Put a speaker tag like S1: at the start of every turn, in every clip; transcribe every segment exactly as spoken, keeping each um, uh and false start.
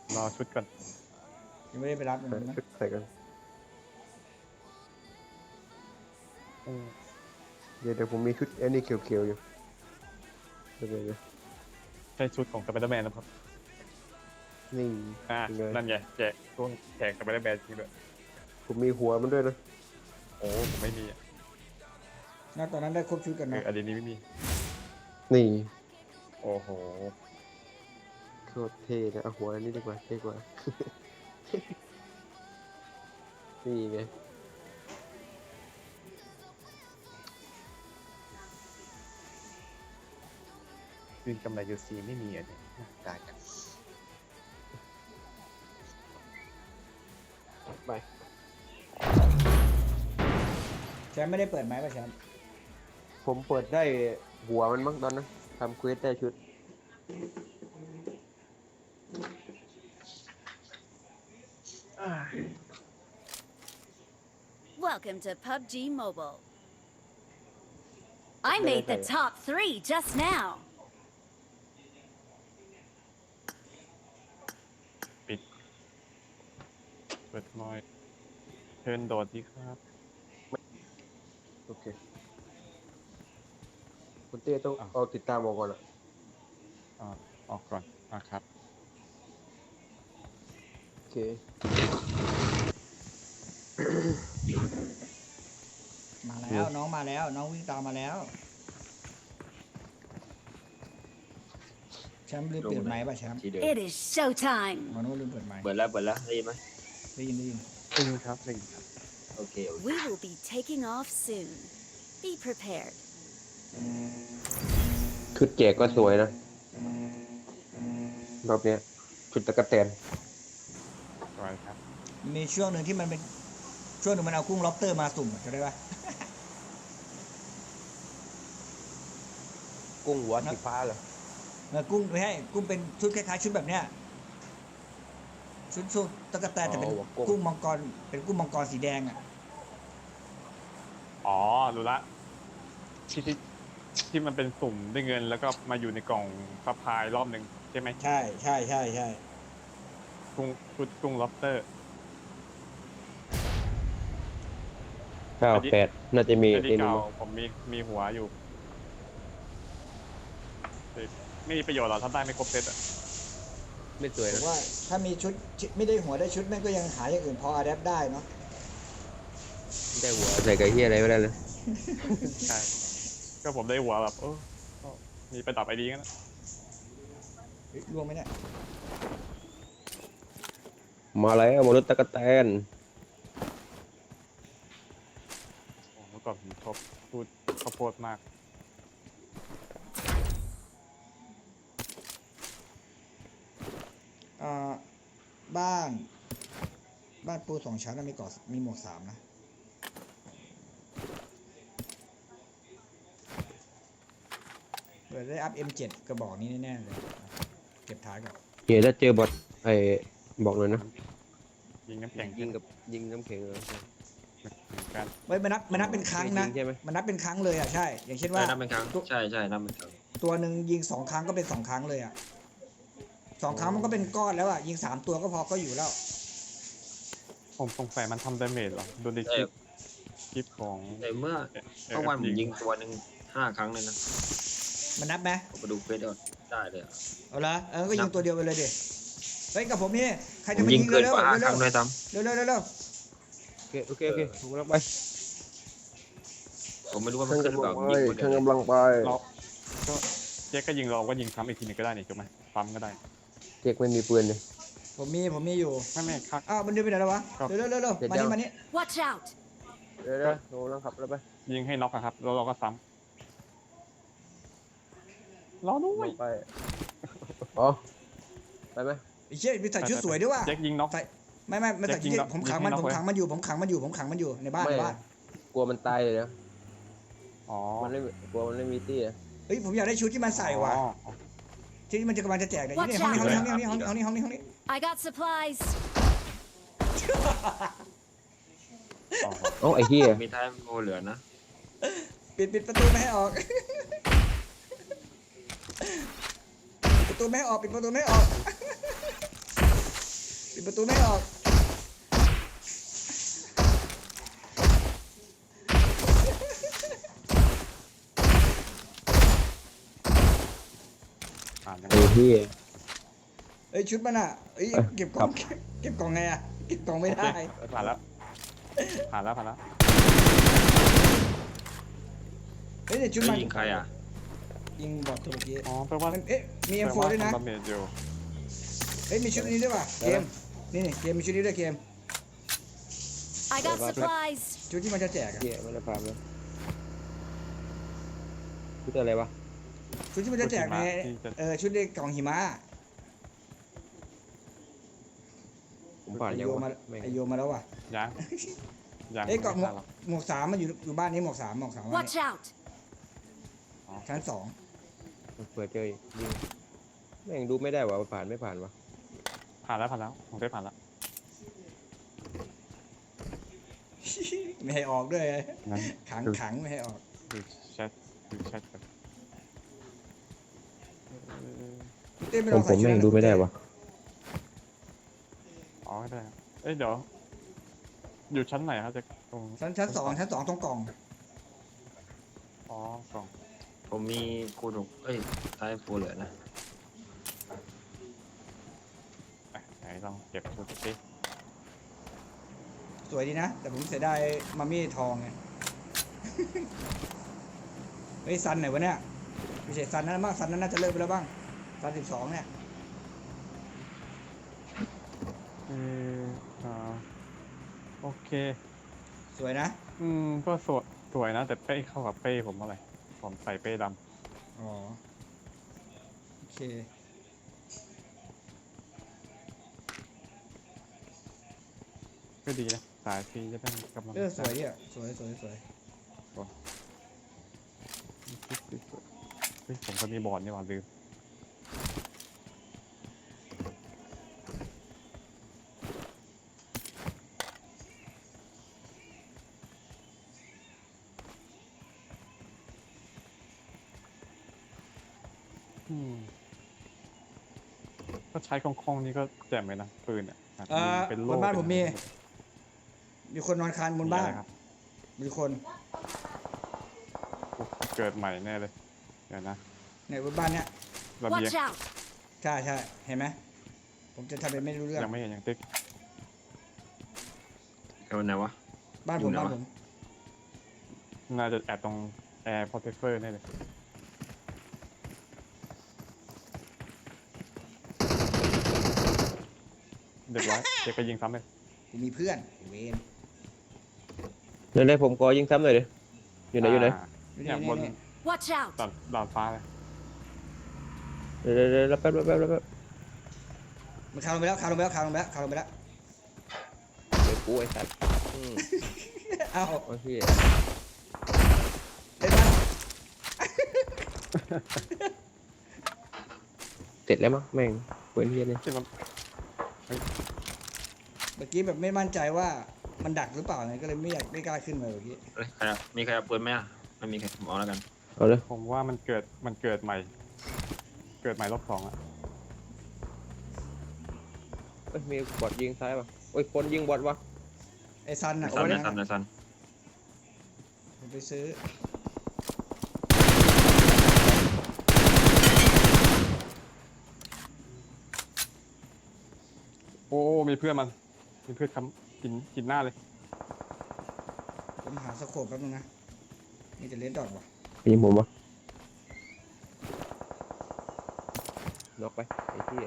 S1: รอชุดก่อน
S2: ยังไม่ได้ไปรับเลยนะ
S3: ชุดใส่กันเดี๋ยวเดี๋ยวผมมีชุดแอนนี่เขียวๆอยู่เดี๋ยวเดี๋ยว
S1: ใช่ชุดของสไปเดอร์แมนนะครับ
S3: นี่
S1: อ่านั่นไงแจกช่วงแจกสไปเดอร์แมนจริงด้วย
S3: ผมมีหัวมันด้วยนะ
S1: โอ้ผมไม่มี
S2: น่าตอนนั้นได้ครบชุดกัน
S1: เอ
S2: นะ
S1: ออันนี้ไม่มี
S3: นี่
S1: โอ้โห
S3: โคตรเท่นะเอาหัวอันนี้ดีกว่าเท่กว่านี่ไง
S1: คืนกำไรยูซีไม่มีอ่ะเนี่ยตายกัน
S3: ไป
S2: แชมป์ไม่ได้เปิดไหมป่ะแชมป์
S3: ผมเปิดได้หัวมันมั้งตอนนั้นทำเควสได้ชุด
S4: Welcome to พับจี Mobile. I made the top three just now.
S1: ปิดเปิดน้อยเชิญโดดดีครับ
S3: โอเคคุณเต้ต้องเอาติดตามออกก่อนอ่ะ
S1: อ่าออกก่อนอ่ะครับ
S3: โอเค
S2: มาแล้วน้องมาแล้วน้องวิ่งตามมาแล้วแชมป์ลืมเปิดไมค์ป่ะแชมป์
S4: It is showtime.
S2: มโนลืมเปิดไมค์
S5: เปิดแล้วเปิดแล้วได้ยินไหม
S2: ได้ยินได้ยิน
S1: หนึ่งครับหนึ่งครับ
S5: โอเคโอเค
S4: We will be taking off soon. Be prepared.
S3: ชุดแจกก็สวยนะรอบเนี้ยชุดตะกะแตน
S1: สวยครับ
S2: มีช่วงหนึ่งที่มันเป็นช่วงหนึ่งมันเอากุ้งล็อบสเตอร์มาสุ่มจะได้ป่ะ
S3: กุ้งหัวสีฟ้าเหรอ
S2: เออกุ้งไม่ให้กุ้งเป็นชุดคล้ายๆชุดแบบเนี้ยชุดชุดตะกะแตนแต่เป็นกุ้งมังกรเป็นกุ้งมังกรสีแดงอ่ะ
S1: อ๋อรู้ละที่ที่ที่มันเป็นสุ่มได้เงินแล้วก็มาอยู่ในกล่องซัพพลายรอบหนึ่งใช่ไหม
S2: ใช่ใช่ใช่ใช่
S1: กุ้งชุดกุ้งล็อบสเตอร์
S3: เก้าแปดน่าจะมี
S1: ที่เก่าผมมีมีหัวอยู่ไม่มีประโยชน์หรอกถ้าได้ไม่ครบเซตอ่ะ
S3: ไม่สวย
S2: ผ
S3: นะ
S2: มว่าถ้ามีชุดไม่ได้หัวได้ชุดแม่งก็ยังหาอย่างอื่นพออะแดปได้เนาะ
S3: ได้หัวใส่ไก่เหี้ยอะไรไม่ได้เลย
S1: ใช่ก็ผมได้หัวแบบเออมีไปดับไอดีกันนะ
S2: ล่วงไหมเนี่ย
S3: มาแล้วมนุษย์ตะกะแตน
S1: โอ้เมื่อก่อนผมชอบพูดข้าวโพดมาก
S2: อ่าบ้านบ้านปูสองชั้นมีเกาะมีหมวกสามนะเปิดได้อัพ เอ็ม เจ็ด กระบอกนี้แน่ๆเลยเก็บท้ายก่อน
S3: เดี๋ยวถ้าเจอบอทไอ้บอกเลยนะ
S1: ยิงน้ำแข็ง
S3: ยิงกับยิงน้ำแข็งเลย
S1: กัน
S2: เฮ้ยมันนับมันนับเป็นครั้งนะมันนับเป็นครั้งเลยอ่ะใช่อย่างเช่นว่า
S5: นับเป็นครั้งใช่ใช่นับเป็นครั้ง
S2: ตัวหนึ่งยิงสองครั้งก็เป็นสองครั้งเลยอ่ะสองครั้งมันก็เป็นก้อนแล้วอ่ะยิงสามตัวก็พอก็อยู่แล้ว
S1: ผมสงสัยมันทำดาเมจเหรอดูในคลิปคลิปของ
S5: แต่เมื่อเมื่อวันผมยิงตัวหนึ่งห้าครั้งเลยนะ
S2: มันนับไหม
S5: ผมไปดูเฟซได้เลย
S2: เอาละเออก็ยิงตัวเดียวไปเลยดิเฮ้ยกับผมนี่ใครจะมายิง
S5: เร็ว
S2: เร็วเร็ว
S5: เร็วเร็ว
S2: เร็วเร็วเร็ว
S3: โอเคโอเคโอเคผมกำลังไป
S5: ผมไม่รู้ว่ามันขึ้นหรือเปล่า
S3: ข้างกำลังไป
S1: เราก็เจ๊ก็ยิงเราก็ยิงซ้ำอีกทีนึงก็ได้นี่ถูกไหมซ้ำก็ได้
S3: เจ๊กไม่มีปืนเลย
S2: ผมมีผมมีอยู่
S1: ไม่ไม่ครับ
S2: อ้าวมันเดินไปไหนแล้ววะเร็วเร็วเร็วมานี่มานี่
S4: Watch out.
S3: เดี๋ยวเดี๋ยวโดนแล้วขับแล้วไป
S1: ยิงให้น็อกครับแล้วเราก็ซ้ำรอด้วย
S3: ไปอ๋อไปไหม
S2: ไอ้เชี่ยมีใส่ชุดสวยด้วยว่ะ
S1: เจ๊กยิงน็อก
S2: ไม่ไม่ไม่ใส่ชุดผมขังมันผมขังมันอยู่ผมขังมันอยู่ผมขังมันอยู่ในบ้านในบ้าน
S3: กลัวมันตายเลยนะ
S1: อ๋อ
S3: มันไม่กลัวมันไม่มีตี้อ่ะ
S2: เฮ้ยผมอยากได้ชุดที่มันใส่ว่ะที่มันจะกำลังจะแจกเนี่ยนี่ห้องนี้ห้องนี้ห้องนี้ห้องนี้ห้องนี้ห้องนี้
S4: I got supplies.
S3: โอ้ไอ้เหี้ย
S5: มีท้ายโมเหลือนะ
S2: ปิดปิดประตูไม่ให้ออกประตูไม่ให้ออกปิดประตูไม่ให้ออกประตูไม่ออก
S1: ผ่านยัง
S3: ไอ้ที่
S2: เอ้ยชุดมันอ่ะเอ้ย
S3: เอ้ย
S2: เก็บกล่อง
S3: ค
S2: เก็บกล่องไงอ่ะเก็บกล่องไม่ได้
S1: โอเคผ่านแล้วผ่านแล้วผ่านแล้ว
S2: เฮ้ยแต่ชุด
S5: เฮ้
S2: มั
S5: ย
S2: น
S5: ยิงใครอ่ะ
S2: ยิงบอดตัวเมื่อกี้
S1: อ๋อแปลว่า
S2: มันเอ๊ะมีเอ็มโฟด้วยนะ
S1: ดาเมจอยู่
S2: เฮ้ยมีชุดนี้ด้วยว่ะเกมนี่นี่เกมมีชุดนี้ด้วยเกม
S4: I got supplies.
S2: ชุดที่มันจะแจกอะ
S3: เหี้ยไม่ได้ฟาร์มแล้วชุดอะไรวะ
S2: ชุดที่มันจะแจกในเออชุดในกล่องหิมะ
S3: ผมผ่าน
S2: ไอ
S3: ยัง
S2: โย
S3: วะ
S2: มา
S3: แม่ง
S2: ไอโยมาแล้วว่ะ
S1: ยังยัง
S2: เอ้ยกล่องหมวก
S1: ไม่ผ่านหรอก
S2: หมวกสามมันอยู่อยู่บ้านนี้หมวกสามหมวกสามบ้าน
S4: Watch
S2: นี้
S4: out.
S2: ชั้นสอง
S3: เปิดเจออีกยิงแม่งดูไม่ได้ว่าผ่านไม่ผ่านวะ
S1: ผ่านแล้วผ่านแล้วผมได้ผ่านแล้ว
S2: ไม่ให้ออกด้วย
S1: งั้น
S2: ขังขังไม่ให้ออก
S1: ดูแชทดูแชทกันเอ่อ
S2: พี่เต้ไม่
S3: ผ
S2: ลอ
S3: ม
S2: ง
S3: ผ
S2: ใส่
S3: ม
S2: ชุด
S3: แม่ง
S2: นั้น
S3: ดูไม่ได้วะ
S1: อ๋อได้ครับเอ้ยเดี๋ยวอยู่ชั้นไหนครับจะตรง
S2: ชั้นชั้นสองชั้นสองตรงกล่อง
S1: อ๋อกล่อง
S5: ผมมีคูณหกเอ้ยท้ายฟูเหลือนะ
S1: อ่ะไหนลองเก็บชุดสิ
S2: สวยดีนะ แต่ผมเสียดายมามี่ทองไง เฮ้ยซันไหนวะเนี่ยไม่ใช่ซันนั้นบ้างซันนั้นน่าจะเลิกไปแล้วบ้างซันสิบสองเนี่ย
S1: เอออ่าโอเค
S2: สวยนะ
S1: อืมก็สวยสวยนะ แต่เป้เข้ากับเป้ผมอะไรผมใส่เป้ด
S2: อ๋อโอเค
S1: ำก็ดีนะสายฟรีจะได้กำลัง
S2: เออสวยเนี่ยสวยสวยสวย
S1: เฮ้ยผมก็มีบอร์ดนี่หว่าลืมอืมก็ใช้คล่องๆนี่ก็แจ่มเลยนะปืนอ่ะแบบ
S2: อ่า
S1: เป็น
S2: บ
S1: โล่
S2: นบ้าน
S1: เป็
S2: ผมมี
S1: อะไร
S2: มีคนนอนคานบนบ้าน
S1: มีอะไรครับ
S2: มีคน
S1: โอ้เกิดใหม่แน่เลยเดี๋ยวนะ
S2: ในบนบ้านเนี้ย
S1: ระเบียง
S4: Watch out.
S2: ใช่ใช่เห็นไหมผมจะทำเป็นไม่รู้เรื่อง
S1: ยังไม่เห็นยังติ๊ก
S5: ใครวันไหนวะ
S2: บ้าน
S5: อยู่
S2: ผม
S5: ไหน
S2: บ้าน
S5: วะ
S2: ผม
S1: น่าจะแอบตรงแอร์พอร์เทเฟอร์แน่เลยเด็กไว้เด็กไปยิงซ้ำเลย
S2: กูมีเพื่อนเวน
S3: เดี๋ยวได้ผมขอยิงซ้ำหน่อยดิอยู่ไหนอยู่ไหน
S1: า
S2: นี่
S1: เนี่ยบน
S2: นี่
S4: Watch out.
S1: ดาดดาดฟ้าเลย
S3: เดี๋ยวเดี๋ยวเดี๋ยวแป๊บแป๊บแป๊บแป๊บ
S2: มันคานลงไปแล้วคานลงไปแล้วคานลงไปแล้วคานลงไปแล้ว
S3: เดี๋ยวกูไอ้สัตว์อืม
S2: เอ้า
S3: โอเค
S2: เห็นไหม
S3: เสร็จแล้วมั้งแม่งเว้นเฮียเนี่ย
S1: ที่มัน
S2: เมื่อกี้แบบไม่มั่นใจว่ามันดักหรือเปล่าไงก็เลยไม่อยากไม่กล้าขึ้นมาเมื่อกี้
S5: เอ้ยใครอะมีใครเอาปืนไหมอ่ะไม่มีใครผมเอาแล้วกัน
S3: เอาเลย
S1: ผมว่ามันเกิดมันเกิดใหม่ เกิดใหม่รอบสองอะ
S3: เอ้ยมีบอดยิงซ้ายป่ะโอ้ยคนยิงบอดวะ
S2: ไอ้ซัน
S5: ใน
S2: น่ะ
S5: ซันใน
S2: เอา
S5: ซัน
S2: ไว้
S5: ในซัน
S2: ผมไปซื้อ
S1: โอ้มีเพื่อนมันมีเพื่อนคำกินกินหน้าเลย
S2: ผมหาสโคปแป๊บนึงนะนี่จะเลนดอทว่ะ
S3: ยิงผมวะน็อกไปไอ้ที่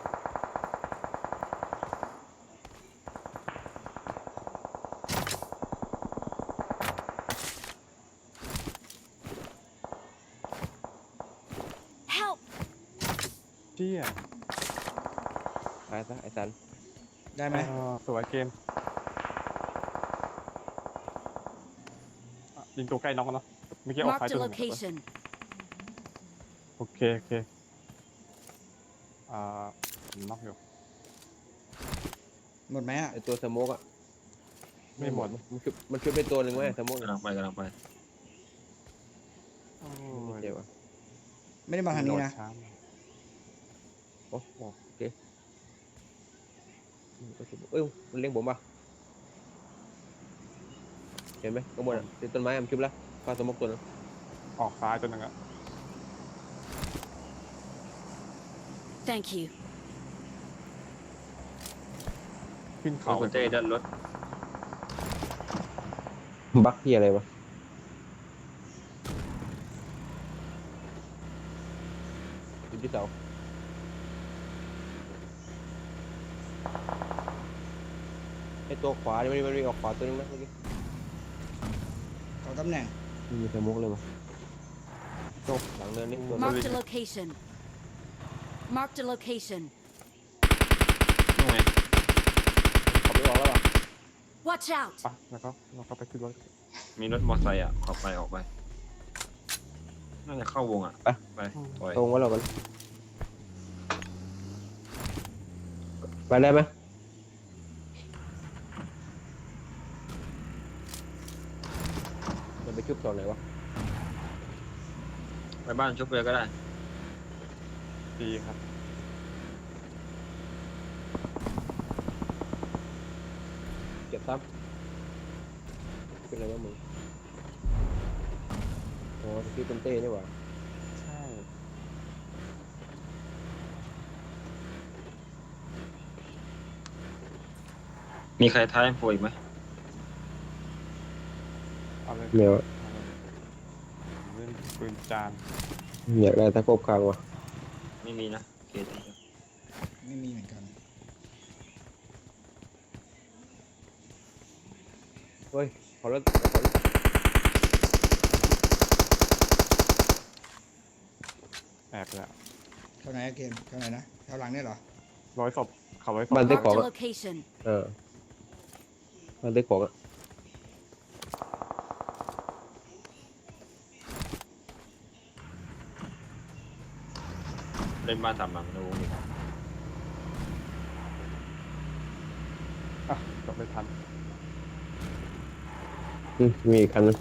S4: Help.
S1: เชี่ย
S3: ตายซะไอ้สัน
S2: ได้ไหม
S1: เออสวยเกมอ่ะยิงตัวใกล้น้องกันเนาะเมื่อกี้ออกไฟ
S4: Marked
S1: ตัว
S4: a
S1: หนึ่ง
S4: location.
S1: โอเคโอเคอ่าผมน็อกอยู่
S2: หมดไหมอ่ะ
S3: ไอ้ตัวสโมกอะ
S1: ไม่หมด
S3: มันชุบมันชุบเป็นตัวหนึ่งไหมสโมกเนี่ย
S5: กำลังไปกำลังไป
S1: โอ้
S3: ไม่
S1: ย
S3: เจ็บอ่ะ
S2: ไม่ได้มาทางนี้นะ
S1: โดดช้า
S3: โอ้โหโอเคเอ้ยมันเลี้ยงผมป่ะเห็นไหมข้างบนอ่ะติดต้นไม้มันคลิปแล้วปลาสมกตัวนึง
S1: ออกซ้ายตัวหนึงอะ
S4: Thank you.
S1: ขึ้น
S5: เขา
S1: เขา
S5: คุณเต้ด้านรถ
S3: บักที่อะไรวะอยู่ที่เสาไอตัวขวาเนี่ยมันมันมีออกขวาตัวนึงนะเมื่อกี้
S2: ขอตำแหน่ง
S3: มีสมกเลยวะโต๊ะหลังเนินนี่ตัว
S4: Marked a location. Marked a location.
S5: นู่นไง
S3: ขับไม่ออกแล้วป่ะ
S4: Watch out!
S1: ปะแล้วก็เราก็ไปขึ้นรถ
S5: มีรถมอเตอร์ไซค์อ่ะออกไปออกไปน่าจะเข้าวงอ่ะ
S3: ไป
S5: ไปถอย
S3: ตรงไว้เรากันไปได้ไหมมันไปชุบตอนไหนวะ
S5: ไปบ้านชุบเลยก็ได้
S1: ดีครับ
S3: เก็บซ้ำเป็นอะไรวะมึงอ๋อสกิลเป็นเต้นี่หว่า
S1: ใช่
S5: มีใครท้ายโฟอีกไหม
S1: เอาเลย
S3: เดี๋ยว
S1: เอาเลยเล่นปืนจาน
S3: อยากได้ตะกบคางว่ะ
S5: ไม่มีนะโอเคได้ครับ
S2: ไม่มีเหมือนกัน
S3: เฮ้ยขอรถขอรถ
S1: แอบแล้ว
S2: เท่าไหนอะเกมเท่าไหนนะเท่าหลังเนี่ยเหรอ
S1: ร้อยศพเขาร้อยศพ
S3: บ้านได้
S4: Marked
S3: ของ
S4: a
S3: อ่ะ
S4: location.
S3: เออบ้านได้ของอ่ะ
S5: เล่นบ้านสามหลังในวงนี้
S1: อ่ะจบไม่ทัน
S3: อืมมีอีกคันนึง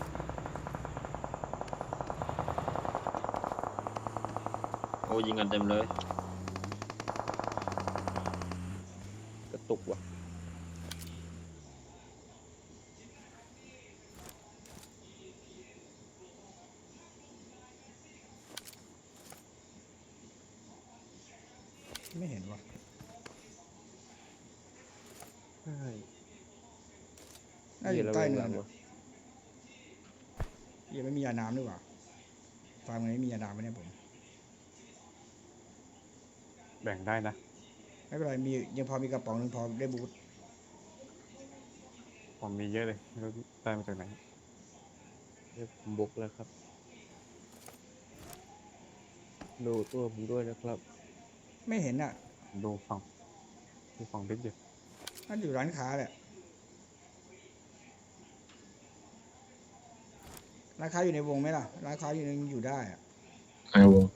S5: โอ้ยิงกันเต็มเลย
S3: กระตุกว่ะ
S2: ไม่เห็นวะ
S1: ใช่
S2: น่าจะอยู่ใต้เนิน
S3: วะ
S2: อะยังไม่มียาน้ำด้วยว่ะฟาร์มนี้มียาน้ำไหมเนี่ยผม
S1: แบ่งได้นะ
S2: ไม่เป็นไรมียังพอมีกระป๋องหนึงพอได้บูท
S1: ผมมีเยอะเลยไม่รู้ได้มาจากไหน
S3: เดี๋ยวผมบุกแล้วครับดูตัวผมด้วยนะครับ
S2: ไม่เห็นอ่ะ
S1: ดูฝั่งดูฝั่งบิ๊กอยู่
S2: น่าจะอยู่ร้านค้าแหละร้านค้าอยู่ในวงไหมล่ะร้านค้าอยู่ในอยู่ได้อะ
S5: ในวง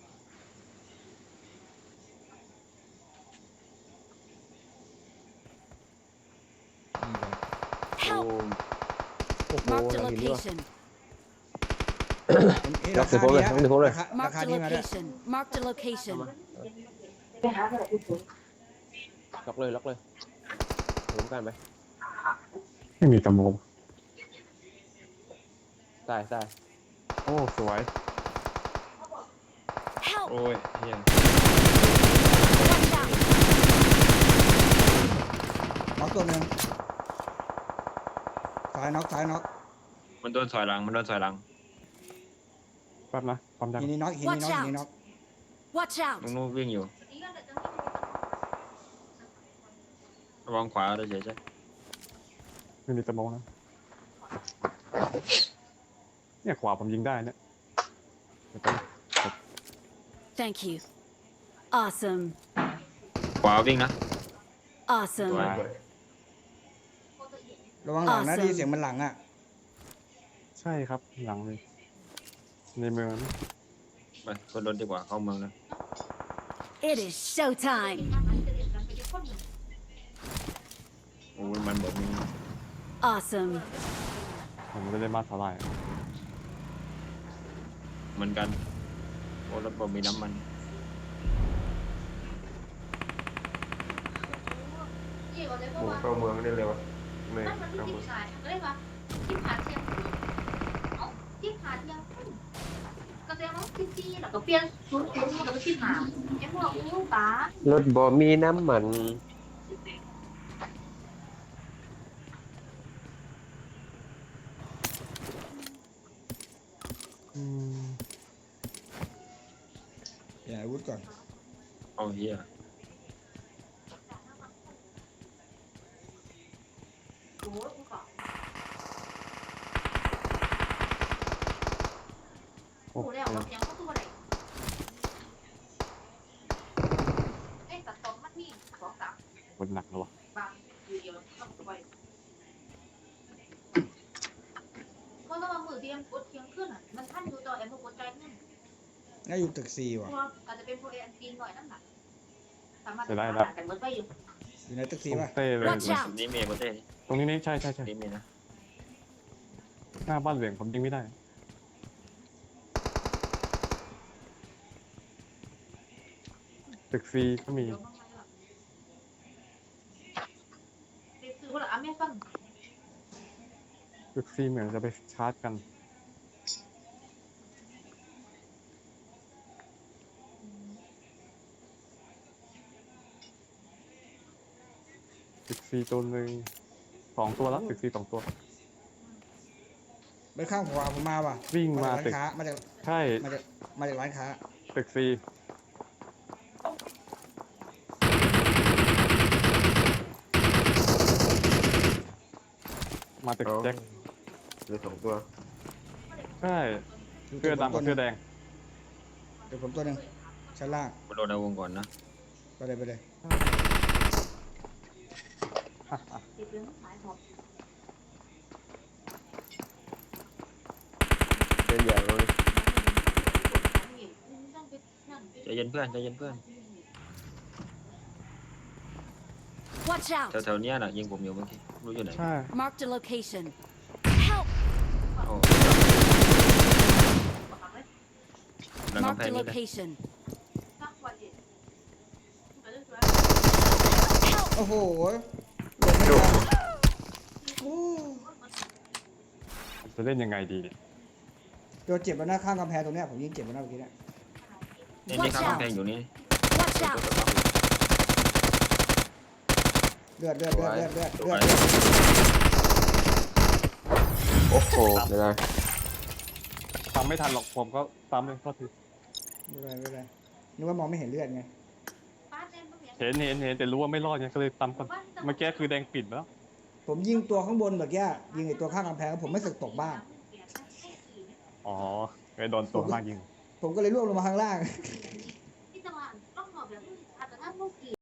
S3: โอ้
S4: Help!
S3: โอ้โห
S4: Marked a
S3: หลังหินนี่ว่ะ
S4: location.
S2: เอ๊ะ
S3: ล็อกเสร็จผมเลย
S2: ราคา
S3: ล็อกเสร็จผมเลย
S2: ราคาราคา
S4: Marked a
S2: นี้มาด้วย
S4: location. Marked a location.
S3: ล็อกเลยล็อกเลยผมกันไป
S1: ไม่มีตะโม
S3: ตายตาย
S1: โอ้สวย
S4: Help!
S5: โอ้ยเฮีย
S4: Watch out!
S2: น็อกตัวหนึ่งซ้ายน็อกซ้ายน็อก
S5: มันโดนถอยหลังมันโดนถอยหลัง
S1: แป๊บนะความดัง
S2: หินนี้น็อกหินนี้น็อก
S4: Watch
S2: หินนี้น็อก
S4: Watch
S5: ลุง
S4: out!
S5: นู้นวิ่งอยู่ระวังขวาด้วยเฉยใช่
S1: ไม่มีตะโมนะเนี่ยขวาผมยิงได้เนี่ยเดี๋ยวแป๊บนะ
S4: Thank you. Awesome.
S5: ขวาวิ่งนะ
S4: Awesome.
S5: สวย
S2: ระวังหลังนะ
S4: Awesome
S2: ได้ยินเสียงมันหลังอ่ะ
S1: ใช่ครับหลังเลยในเมือง
S5: ไปขึ้นรถดีกว่าเข้าเมืองนะ
S4: It is showtime.
S5: โอ้ยมันบอกมี
S4: Awesome.
S1: ผมไม่ได้มาเท่าไหร่
S5: เหมือนกันโอ้รถบอกมีน้ำมัน
S3: หมูเข้าเมืองได้เลยวะไม่
S6: มันมัน
S3: เข้า
S6: ที่
S3: เมือง
S6: ขายก็เลยว่าที่ขาเทียมเอ้าที่ขาเทียมก็แสดงว่าที่จี้แล้วก็เปลี่ยนชุดชุดแล้วก็ที่หาไอ้พวกลูกตาร
S3: ถบ่มีน้ำมันอืม
S2: อย่าอาวุธก่อน
S5: เอาเฮีย
S6: โอ้ยกูก็
S1: โอ้
S6: กูแล้วว่ายังก็ตัวอะไรเอ้ตัดตอนมันนี่สองสาม
S1: คนหนักแล้ววะ
S6: บางอยู่เดียวต้องไปเพราะว่ามือเตรียมกดเทียงขึ้นอ่ะมันท่านดูจอแอมกดใจขึ้น
S2: น่าอยู่ตึกสี่ว่ะ
S6: ตัวอาจจะเป็นโปรแอนตีนหน่อยนั่นแหละสามารถหากันเมื่อไปอยู่
S2: อยู่ในตึก
S1: ต
S2: สี่
S1: รง
S2: ป่ะ
S1: เต้เลย
S4: Watch out
S5: นี่เมย์ประเทศ
S1: ตรงนี้นี่ใช่ใช่ใช่
S5: นี่เมย์นะ
S1: หน้าบ้านเหลืองผมยิงไม่ได้ ตึกซีก็มี
S6: เดี๋ยวมันมาแล้วเด็กซื้อว่าละอเมซอน
S1: ตึกซีเหมือนจะไปชาร์จกัน ตึกซีตัวหนึ่งสองตัวแล้วตึกซีสองตัว
S2: ไปข้างขวาผมมาว่ะ
S1: วิ่งมา
S2: จาก
S1: ตึ
S2: ร้าก นค้ามาจาก
S1: ใช่
S2: มาจากมาจากร้านค้า
S1: ตึกซีมาตึก
S3: เอา
S1: แจ็ค
S3: เหลือสองตัว
S1: ใช่เสื้อดำกับเสื้อแดง
S2: เดี๋ยวผมตัวหนึ่งชั้นล่าง
S5: มาโดนในวงก่อนนะ
S2: ไปเลยไปเลย
S6: เด็กเรื่องขายหอบ
S3: เป็นอย่างเลย
S5: ใจเย็นเพื่อนใจเย็นเพื่อน
S4: Watch out!
S5: แถวๆเนี้ยน่ะยิงผมอยู่เมื่อกี้รู้อยู่ไหน
S1: ใช่
S4: Marked a location. Help!
S5: โอ้หลังกำแพ
S4: Marked
S5: ง
S4: a
S5: นี่เลย
S4: location.
S6: สักวันเด็ก
S4: Help!
S2: โอ้โหลงไม่ทันโอ้
S1: จะเล่นยังไงดีเนี่ย
S2: โดนเจ็บแล้วนะข้างกำแพงตรงเนี้ยผมยิงเจ็บแล้วนะเมื่อกี้เนี่ย
S5: นี่นี่ข้างกำแพงอยู่นี่
S4: Watch out!
S2: เลือดเลือดเลือดเลือดเลือด
S5: ส
S2: เลื
S5: ว
S2: อด
S5: ย
S3: โอ้โหไม่ได้
S1: ทำไม่ทันหรอกผมก็ซ้ำเลยก็ที
S2: ไม่เป็นไรไม่เป็นไรนึกว่ามองไม่เห็นเลือดไง
S1: เห็นเห็นเห็นแต่รู้ว่าไม่รอดไงก็เลยซ้ำกันเมื่อกี้คือแดงปิดแล้ว
S2: ผมยิงตัวข้างบนเมื่อกี้ยิงไอ้ตัวข้างกำแพงผมไม่สึกตกบ้าน
S1: อ๋อไปโดนตัวมากยิง
S2: ผมก็เลยร่วงลงมาข้างล่าง
S6: ที่จังหวัดต้องหอบแบบอาจจะถ้าพวกกี่